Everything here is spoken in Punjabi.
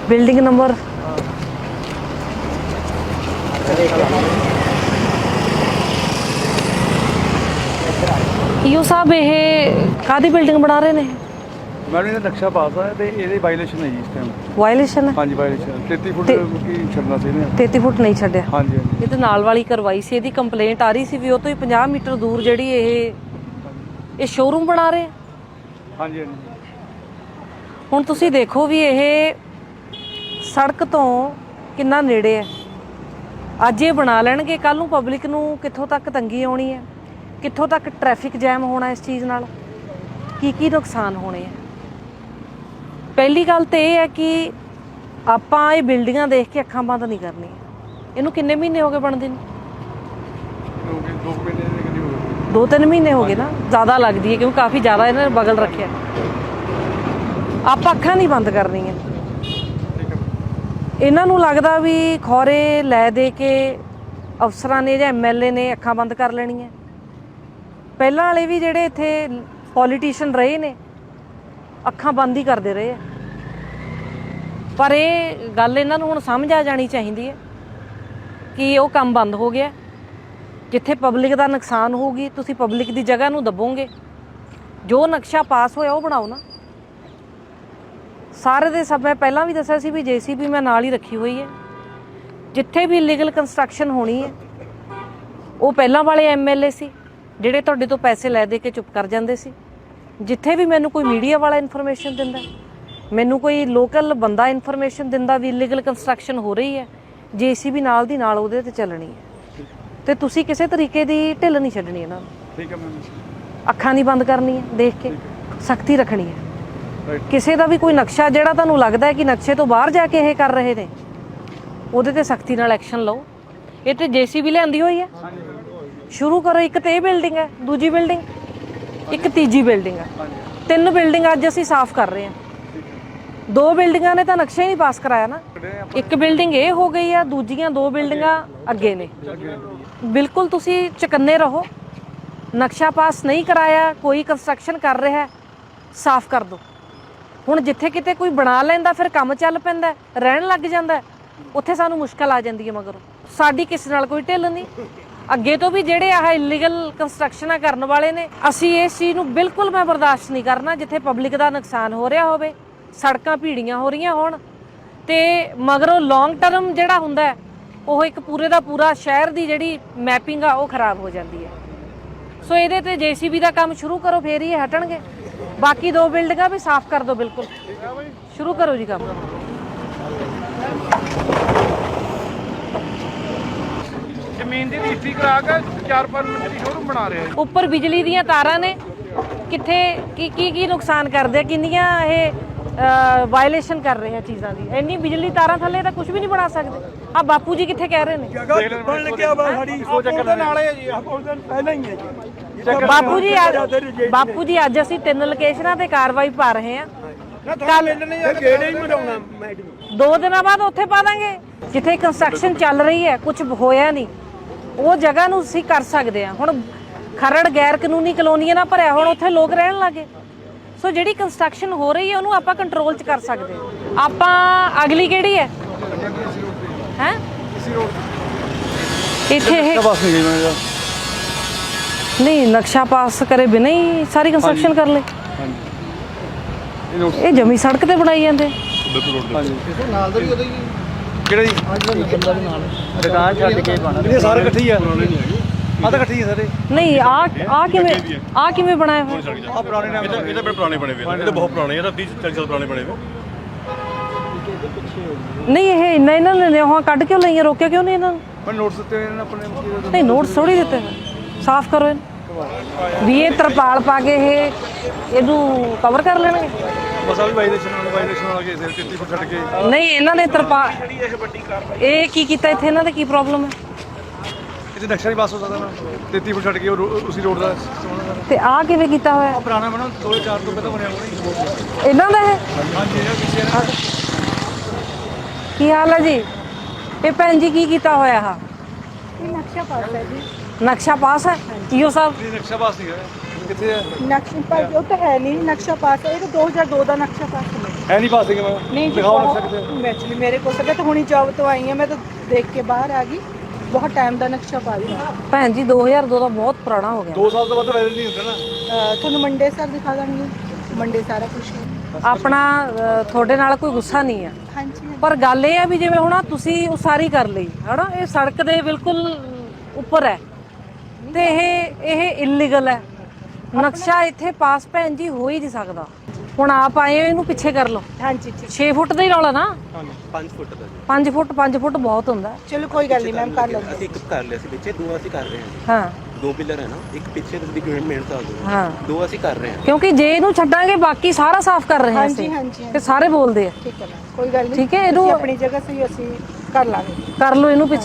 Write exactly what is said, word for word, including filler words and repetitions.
बिल्डिंग नंबर ਈਓ ਸਾਹਿਬ ਇਹ ਕਾਹਦੀ ਬਿਲਡਿੰਗ ਬਣਾ ਰਹੇ ਨੇ? ਮੈਡਮ ਇਹਦਾ ਨਕਸ਼ਾ ਪਾਸ ਆ ਤੇ ਇਹਦੇ ਵਾਇਲੇਸ਼ਨ ਹੈ ਜੀ ਇਸ ਟਾਈਮ। ਵਾਇਲੇਸ਼ਨ ਹੈ? ਹਾਂਜੀ ਵਾਇਲੇਸ਼ਨ ਤੇਤੀ ਫੁੱਟ ਕੀ ਛੱਡਣਾ ਸੀ ਇਹਨੇ। ਤੇਤੀ ਫੁੱਟ ਨਹੀਂ ਛੱਡਿਆ। ਹਾਂਜੀ ਹਾਂਜੀ ਇਹ ਤੇ ਨਾਲ ਵਾਲੀ ਕਰਵਾਈ ਸੀ, ਇਹਦੀ ਕੰਪਲੇਂਟ ਆ ਰਹੀ ਸੀ ਵੀ ਉਹ ਤੋਂ ਹੀ ਪੰਜਾਹ ਮੀਟਰ ਦੂਰ ਜਿਹੜੀ ਇਹ ਇਹ ਸ਼ੋਰੂਮ ਬਣਾ ਰਹੇ। ਹਾਂਜੀ ਹਾਂਜੀ ਹੁਣ ਤੁਸੀਂ ਦੇਖੋ ਵੀ ਇਹ ਸੜਕ ਤੋਂ ਕਿੰਨਾ ਨੇੜੇ ਹੈ। ਅੱਜ ਇਹ ਬਣਾ ਲੈਣਗੇ, ਕੱਲ ਨੂੰ ਪਬਲਿਕ ਨੂੰ ਕਿੱਥੋਂ ਤੱਕ ਤੰਗੀ ਆਉਣੀ ਹੈ, ਕਿੱਥੋਂ ਤੱਕ ਟ੍ਰੈਫਿਕ ਜੈਮ ਹੋਣਾ ਇਸ ਚੀਜ਼ ਨਾਲ, ਕੀ ਕੀ ਨੁਕਸਾਨ ਹੋਣੇ ਆ। ਪਹਿਲੀ ਗੱਲ ਤਾਂ ਇਹ ਹੈ ਕਿ ਆਪਾਂ ਇਹ ਬਿਲਡਿੰਗਾਂ ਦੇਖ ਕੇ ਅੱਖਾਂ ਬੰਦ ਨਹੀਂ ਕਰਨੀਆਂ। ਇਹਨੂੰ ਕਿੰਨੇ ਮਹੀਨੇ ਹੋ ਗਏ ਬਣਦੇ ਨੂੰ? ਦੋ ਮਹੀਨੇ ਦੇ ਕਰੀਬ ਹੋ ਗਏ। ਦੋ ਤਿੰਨ ਮਹੀਨੇ ਹੋ ਗਏ ਨਾ, ਜ਼ਿਆਦਾ ਲੱਗਦੀ ਹੈ ਕਿਉਂਕਿ ਕਾਫੀ ਜ਼ਿਆਦਾ ਇਹਨਾਂ ਨੇ ਬਗਲ ਰੱਖਿਆ। ਆਪਾਂ ਅੱਖਾਂ ਨਹੀਂ ਬੰਦ ਕਰਨੀਆਂ। ਇਹਨਾਂ ਨੂੰ ਲੱਗਦਾ ਵੀ ਖੌਰੇ ਲੈ ਦੇ ਕੇ ਅਫਸਰਾਂ ਨੇ ਜਾਂ ਐਮ ਐਲ ਏ ਨੇ ਅੱਖਾਂ ਬੰਦ ਕਰ ਲੈਣੀਆਂ। ਪਹਿਲਾਂ ਵਾਲੇ ਵੀ ਜਿਹੜੇ ਇੱਥੇ ਪੋਲੀਟੀਸ਼ੀਅਨ ਰਹੇ ਨੇ ਅੱਖਾਂ ਬੰਦ ਹੀ ਕਰਦੇ ਰਹੇ ਆ। ਪਰ ਇਹ ਗੱਲ ਇਹਨਾਂ ਨੂੰ ਹੁਣ ਸਮਝ ਆ ਜਾਣੀ ਚਾਹੀਦੀ ਹੈ ਕਿ ਉਹ ਕੰਮ ਬੰਦ ਹੋ ਗਿਆ। ਜਿੱਥੇ ਪਬਲਿਕ ਦਾ ਨੁਕਸਾਨ ਹੋਊਗੀ ਤੁਸੀਂ ਪਬਲਿਕ ਦੀ ਜਗ੍ਹਾ ਨੂੰ ਦੱਬੋਗੇ। ਜੋ ਨਕਸ਼ਾ ਪਾਸ ਹੋਇਆ ਉਹ ਬਣਾਓ ਨਾ। ਸਾਰੇ ਦੇ ਸਭ ਮੈਂ ਪਹਿਲਾਂ ਵੀ ਦੱਸਿਆ ਸੀ ਵੀ ਜੇ ਸੀ ਬੀ ਮੈਂ ਨਾਲ ਹੀ ਰੱਖੀ ਹੋਈ ਹੈ। ਜਿੱਥੇ ਵੀ ਇਲੀਗਲ ਕੰਸਟਰਕਸ਼ਨ ਹੋਣੀ ਹੈ ਉਹ ਪਹਿਲਾਂ ਵਾਲੇ ਐਮ ਐਲ ਏ ਸੀ ਜਿਹੜੇ ਤੁਹਾਡੇ ਤੋਂ ਪੈਸੇ ਲੈ ਦੇ ਕੇ ਚੁੱਪ ਕਰ ਜਾਂਦੇ ਸੀ। ਜਿੱਥੇ ਵੀ ਮੈਨੂੰ ਕੋਈ ਮੀਡੀਆ ਵਾਲਾ ਇਨਫੋਰਮੇਸ਼ਨ ਦਿੰਦਾ, ਮੈਨੂੰ ਕੋਈ ਲੋਕਲ ਬੰਦਾ ਇਨਫੋਰਮੇਸ਼ਨ ਦਿੰਦਾ ਵੀ ਇਲੀਗਲ ਕੰਸਟਰਕਸ਼ਨ ਹੋ ਰਹੀ ਹੈ, ਜੇ ਸੀ ਬੀ ਨਾਲ ਦੀ ਨਾਲ ਉਹਦੇ ਤੇ ਚੱਲਣੀ ਹੈ। ਤੇ ਤੁਸੀਂ ਕਿਸੇ ਤਰੀਕੇ ਦੀ ਢਿੱਲ ਨਹੀਂ ਛੱਡਣੀ ਇਹਨਾਂ ਨੂੰ। ਠੀਕ ਹੈ ਮੈਮ। ਅੱਖਾਂ ਨਹੀਂ ਬੰਦ ਕਰਨੀਆਂ, ਦੇਖ ਕੇ ਸਖਤੀ ਰੱਖਣੀ ਹੈ। ਕਿਸੇ ਦਾ ਵੀ ਕੋਈ ਨਕਸ਼ਾ ਜਿਹੜਾ ਤੁਹਾਨੂੰ ਲੱਗਦਾ ਹੈ ਕਿ ਨਕਸ਼ੇ ਤੋਂ ਬਾਹਰ ਜਾ ਕੇ ਇਹ ਕਰ ਰਹੇ ਨੇ, ਉਹਦੇ ਤੇ ਸਖਤੀ ਨਾਲ ਐਕਸ਼ਨ ਲਓ। ਇਹ ਤੇ ਜੇ ਸੀ ਬੀ ਲਿਆਂਦੀ ਹੋਈ ਹੈ, ਸ਼ੁਰੂ ਕਰੋ। ਇੱਕ ਤੇ ਇਹ ਬਿਲਡਿੰਗ ਹੈ, ਦੂਜੀ ਬਿਲਡਿੰਗ, ਇੱਕ ਤੀਜੀ ਬਿਲਡਿੰਗ ਹੈ। ਤਿੰਨ ਬਿਲਡਿੰਗ ਅੱਜ ਅਸੀਂ ਸਾਫ਼ ਕਰ ਰਹੇ ਹਾਂ। ਦੋ ਬਿਲਡਿੰਗਾਂ ਨੇ ਤਾਂ ਨਕਸ਼ਾ ਹੀ ਨਹੀਂ ਪਾਸ ਕਰਾਇਆ ਨਾ। ਇੱਕ ਬਿਲਡਿੰਗ ਇਹ ਹੋ ਗਈ ਆ, ਦੂਜੀਆਂ ਦੋ ਬਿਲਡਿੰਗਾਂ ਅੱਗੇ ਨੇ। ਬਿਲਕੁਲ ਤੁਸੀਂ ਚੁਕੰਨੇ ਰਹੋ। ਨਕਸ਼ਾ ਪਾਸ ਨਹੀਂ ਕਰਾਇਆ, ਕੋਈ ਕੰਸਟਰਕਸ਼ਨ ਕਰ ਰਿਹਾ, ਸਾਫ਼ ਕਰ ਦਿਓ। ਹੁਣ ਜਿੱਥੇ ਕਿਤੇ ਕੋਈ ਬਣਾ ਲੈਂਦਾ ਫਿਰ ਕੰਮ ਚੱਲ ਪੈਂਦਾ, ਰਹਿਣ ਲੱਗ ਜਾਂਦਾ, ਉੱਥੇ ਸਾਨੂੰ ਮੁਸ਼ਕਲ ਆ ਜਾਂਦੀ ਹੈ। ਮਗਰੋਂ ਸਾਡੀ ਕਿਸੇ ਨਾਲ ਕੋਈ ਢਿੱਲ ਨਹੀਂ। ਅੱਗੇ ਤੋਂ ਵੀ ਜਿਹੜੇ ਆਹ ਇਲੀਗਲ ਕੰਸਟਰਕਸ਼ਨਾਂ ਕਰਨ ਵਾਲੇ ਨੇ, ਅਸੀਂ ਇਸ ਚੀਜ਼ ਨੂੰ ਬਿਲਕੁਲ ਮੈਂ ਬਰਦਾਸ਼ਤ ਨਹੀਂ ਕਰਨਾ। ਜਿੱਥੇ ਪਬਲਿਕ ਦਾ ਨੁਕਸਾਨ ਹੋ ਰਿਹਾ ਹੋਵੇ, ਸੜਕਾਂ ਭੀੜੀਆਂ ਹੋ ਰਹੀਆਂ ਹੋਣ, ਤੇ ਮਗਰੋਂ ਲੌਂਗ ਟਰਮ ਜਿਹੜਾ ਹੁੰਦਾ ਉਹ ਇੱਕ ਪੂਰੇ ਦਾ ਪੂਰਾ ਸ਼ਹਿਰ ਦੀ ਜਿਹੜੀ ਮੈਪਿੰਗ ਆ ਉਹ ਖਰਾਬ ਹੋ ਜਾਂਦੀ ਹੈ। ਸੋ ਇਹਦੇ ਤੇ ਜੇ ਸੀ ਬੀ ਦਾ ਕੰਮ ਸ਼ੁਰੂ ਕਰੋ, ਫੇਰ ਹੀ ਇਹ ਹਟਣਗੇ। ਬਾਕੀ ਦੋ ਬਿਲਡਿੰਗਾਂ ਵੀ ਸਾਫ਼ ਕਰ ਦਿਓ। ਬਿਲਕੁਲ ਸ਼ੁਰੂ ਕਰੋ ਜੀ ਕੰਮ। ਜ਼ਮੀਨ ਦੀ ਰਜਿਸਟਰੀ ਕਰਾ ਕੇ ਚਾਰ ਪੰਜ ਮਿੰਟ ਦੀ ਸ਼ੋਰੂਮ ਬਣਾ ਰਹੇ ਆ। ਉੱਪਰ ਬਿਜਲੀ ਦੀਆਂ ਤਾਰਾਂ ਨੇ, ਕਿੱਥੇ ਕੀ ਕੀ ਕੀ ਨੁਕਸਾਨ ਕਰਦੇ ਆ, ਕਿੰਨੀਆਂ ਇਹ ਵਾਇਲੇਸ਼ਨ ਕਰ ਰਹੇ ਆ ਚੀਜ਼ਾਂ ਦੀ। ਇੰਨੀ ਬਿਜਲੀ ਤਾਰਾਂ ਥੱਲੇ ਤਾਂ ਕੁਝ ਵੀ ਨਹੀਂ ਬਣਾ ਸਕਦੇ। ਆ ਬਾਪੂ ਜੀ ਕਿੱਥੇ ਕਹਿ ਰਹੇ ਨੇ? ਬਣ ਲੱਗਿਆ ਵਾ ਸਾਡੀ ਸੋਚ ਦੇ ਨਾਲ ਹੈ ਜੀ। ਪਹਿਲਾਂ ਹੀ ਹੈ ਜੀ ਬਾਪੂ ਜੀ। ਬਾਪੂ ਜੀ ਅੱਜ ਅਸੀਂ ਤਿੰਨ ਲੋਕੇਸ਼ਨਾਂ ਤੇ ਕਾਰਵਾਈ ਪਾ ਰਹੇ ਹਾਂ। ਕੱਲ ਗੇੜੇ ਹੀ ਮਰਾਉਣਾ ਮੈਡਮ। ਦੋ ਦਿਨਾਂ ਬਾਅਦ ਉੱਥੇ ਪਾ ਦਾਂਗੇ ਜਿੱਥੇ ਕੰਸਟਰਕਸ਼ਨ ਚੱਲ ਰਹੀ ਹੈ, ਕੁਝ ਹੋਇਆ ਨਹੀਂ, ਉਹ ਜਗ੍ਹਾ ਨੂੰ ਅਸੀਂ ਕਰ ਸਕਦੇ ਹਾਂ। ਹੁਣ ਖਰੜ ਗੈਰ ਕਾਨੂੰਨੀ ਕਲੋਨੀਆਂ ਨਾਲ ਭਰਿਆ, ਹੁਣ ਉੱਥੇ ਲੋਕ ਰਹਿਣ ਲੱਗੇ। ਸੋ ਜਿਹੜੀ ਕੰਸਟਰਕਸ਼ਨ ਹੋ ਰਹੀ ਹੈ ਉਹਨੂੰ ਆਪਾਂ ਕੰਟਰੋਲ 'ਚ ਕਰ ਸਕਦੇ ਹਾਂ। ਆਪਾਂ ਅਗਲੀ ਕਿਹੜੀ ਹੈ ਹੈ ਇੱਥੇ ਇਹ ਨਹੀਂ ਨਕਸ਼ਾ ਪਾਸ ਕਰੇ ਬਿਨਾਂ ਹੀ ਸਾਰੀ ਕੰਸਟਰਕਸ਼ਨ ਕਰ ਲੈ। ਇਹ ਜਮੀ ਸੜਕ ਤੇ ਬਣਾਈ ਜਾਂਦੇ। ਨਾਲ ਦਾ ਵੀ ਉਹਦਾ ਹੀ ਕਿਹੜਾ ਜੀ? ਦੁਕਾਨ ਛੱਡ ਕੇ ਬਣਾ ਇਹ ਸਾਰੇ ਇਕੱਠੇ ਹੀ ਆ। ਆ ਤਾਂ ਇਕੱਠੇ ਹੀ ਸਾਰੇ। ਨਹੀਂ ਆ ਆ ਕਿਵੇਂ ਆ ਕਿਵੇਂ ਬਣਾਇਆ ਹੋਇਆ? ਆ ਪੁਰਾਣੇ ਨਾਮ ਇਹਦਾ ਇਹਦਾ ਬੜੇ ਪੁਰਾਣੇ ਬਣੇ ਹੋਏ। ਇਹਦਾ ਬਹੁਤ ਪੁਰਾਣੇ, ਇਹਦਾ ਤੀਹ ਚਾਲੀ ਸਾਲ ਪੁਰਾਣੇ ਬਣੇ ਹੋਏ। ਨਹੀਂ ਇਹ ਇੰਨਾ ਇਹਨਾਂ ਨੇ ਉਹ ਕੱਢ ਕਿਉਂ ਲਈਆਂ, ਰੋਕਿਆ ਕਿਉਂ ਨਹੀਂ ਇਹਨਾਂ ਨੂੰ? ਮੈਂ ਨੋਟਸ ਦਿੱਤੇ ਇਹਨਾਂ ਆਪਣੇ। ਨਹੀਂ ਨੋਟਸ ਥੋੜੀ ਦਿੱਤੇ, ਸਾਫ਼ ਕਰੋ ਇਹਨੂੰ ਵੀ। ਇਹ ਤਰਪਾਲ ਪਾ ਕੇ ਇਹ ਇਹਨੂੰ ਕਵਰ ਕਰ ਲੈਣਗੇ। ਮਸਾ ਵੀ ਵਾਇਲੇਸ਼ਨ ਨਾਲ ਵਾਇਲੇਸ਼ਨ ਵਾਲਾ ਕੇਸ ਹੈ। ਤੇਤੀ ਫੁੱਟ ਛੱਡ ਕੇ ਨਹੀਂ ਇਹਨਾਂ ਨੇ ਤਰਪਾਲ ਇਹ ਕੀ ਕੀਤਾ ਇੱਥੇ? ਇਹਨਾਂ ਦਾ ਕੀ ਪ੍ਰੋਬਲਮ ਹੈ? ਇੱਥੇ ਨਕਸ਼ਾ ਨਹੀਂ ਪਾਸ ਹੋ ਸਕਦਾ ਨਾ। ਤੇਤੀ ਫੁੱਟ ਛੱਡ ਕੇ ਉਸੇ ਰੋਡ ਦਾ। ਤੇ ਆਹ ਕਿਵੇਂ ਕੀਤਾ ਹੋਇਆ? ਪੁਰਾਣਾ ਬਣਾ ਦੋ ਹਜ਼ਾਰ ਚਾਰ ਤੋਂ ਪਹਿਲਾਂ ਬਣਿਆ ਹੋਣਾ ਇਹਨਾਂ ਦਾ ਹੈ। ਹਾਂਜੀ ਇਹ ਪਿੱਛੇ ਕੀ ਹਾਲ ਹੈ ਜੀ? ਇਹ ਭੈਣ ਜੀ ਕੀ ਕੀਤਾ ਹੋਇਆ? ਆ ਨਕਸ਼ਾ ਪਾਸ ਹੈ ਜੀ। ਨਕਸ਼ਾ ਪਾਸ ਹੈ ਈਓ ਸਾਹਿਬ? ਨਕਸ਼ਾ ਪਾਸ ਨਹੀਂ ਹੈ। ਕਿੱਥੇ ਹੈ ਨਕਸ਼ਾ ਪਾਸ? ਉਹ ਤਾਂ ਹੈ ਨਹੀਂ ਨਕਸ਼ਾ ਪਾਸ ਹੈ। ਇਹ ਤਾਂ ਦੋ ਹਜ਼ਾਰ ਦੋ ਦਾ ਨਕਸ਼ਾ ਪਾਸ ਹੈ। ਹੈ ਨਹੀਂ ਪਾ ਸਕੇ ਮੈਂ नहीं जी ਦਿਖਾਓ ਨਕਸ਼ਾ ਕਿਤੇ बहुत एक्चुअली मेरे को सब तो हुणी जॉब तो आई है मैं तो देख के बाहर आ गई बहुत टाइम का नक्शा पा रही हूँ ਭੈਣ ਜੀ ਦੋ ਹਜ਼ਾਰ ਦੋ ਦਾ ਬਹੁਤ ਪੁਰਾਣਾ ਹੋ ਗਿਆ ਦੋ ਸਾਲ ਤੋਂ ਬਾਅਦ ਵਾਇਰਲ ਨਹੀਂ ਹੁੰਦਾ ਨਾ ਤੁਹਾਨੂੰ ਮੰਡੇ ਸਰ ਦਿਖਾ ਦਾਂਗੀ ਮੰਡੇ ਸਾਰਾ ਕੁਝ ਆਪਣਾ ਅ, ਤੁਹਾਡੇ ਨਾਲ ਕੋਈ ਗੁੱਸਾ ਨਹੀਂ ਆ ਹਾਂਜੀ ਪਰ ਗੱਲ ਇਹ ਆ ਵੀ ਜਿਵੇਂ ਹੁਣ ਆਹ ਤੁਸੀਂ ਉਸਾਰੀ ਕਰ ਲਈ ਹਨਾ ਇਹ ਸੜਕ ਦੇ ਬਿਲਕੁਲ ਉੱਪਰ ਹੈ ਤੇ ਇਹ ਇਹ ਇਲੀਗਲ ਹੈ ਨਕਸ਼ਾ ਇੱਥੇ ਪਾਸ ਭੈਣ ਜੀ ਹੋ ਹੀ ਨਹੀਂ ਸਕਦਾ ਹੁਣ ਆਪ ਆਏ ਹੋ ਇਹਨੂੰ ਪਿੱਛੇ ਕਰ ਲਓ ਹਾਂਜੀ ਠੀਕ ਛੇ ਫੁੱਟ ਦਾ ਹੀ ਰੌਲਾ ਨਾ ਪੰਜ ਫੁੱਟ ਦਾ ਜੀ। ਪੰਜ ਫੁੱਟ ਪੰਜ ਫੁੱਟ ਬਹੁਤ ਹੁੰਦਾ ਹੈ। ਚਲੋ ਕੋਈ ਗੱਲ ਨਹੀਂ ਮੈਮ ਕਰ ਲਵਾਂਗੇ ਅਸੀਂ ਇੱਕ ਕਰ ਲਿਆ ਸੀ ਪਿੱਛੇ ਦੋ ਅਸੀਂ ਕਰ ਰਹੇ ਹਾਂ ਜੀ। ਹਾਂ ਦੋ ਪਿਲਰ ਹੈ ਨਾ ਇੱਕ ਪਿੱਛੇ ਤੁਸੀਂ ਮਿਹਨਤ ਆ ਦੋ ਹਾਂ ਦੋ ਅਸੀਂ ਕਰ ਰਹੇ ਹਾਂ ਕਿਉਂਕਿ ਜੇ ਇਹਨੂੰ ਛੱਡਾਂਗੇ ਬਾਕੀ ਸਾਰਾ ਸਾਫ਼ ਕਰ ਰਹੇ ਹਾਂ ਹਾਂਜੀ ਅਸੀਂ ਹਾਂਜੀ ਤੇ ਸਾਰੇ ਬੋਲਦੇ ਆ ਠੀਕ ਹੈ ਮੈਮ ਕੋਈ ਗੱਲ ਨਹੀਂ ਠੀਕ ਹੈ, ਇਹਨੂੰ- ਤੁਸੀਂ ਆਪਣੀ ਜਗ੍ਹਾ ਸਹੀ ਅਸੀਂ ਕਰ ਲਾਂਗੇ ਕਰ ਲਓ ਇਹਨੂੰ ਪਿੱਛੇ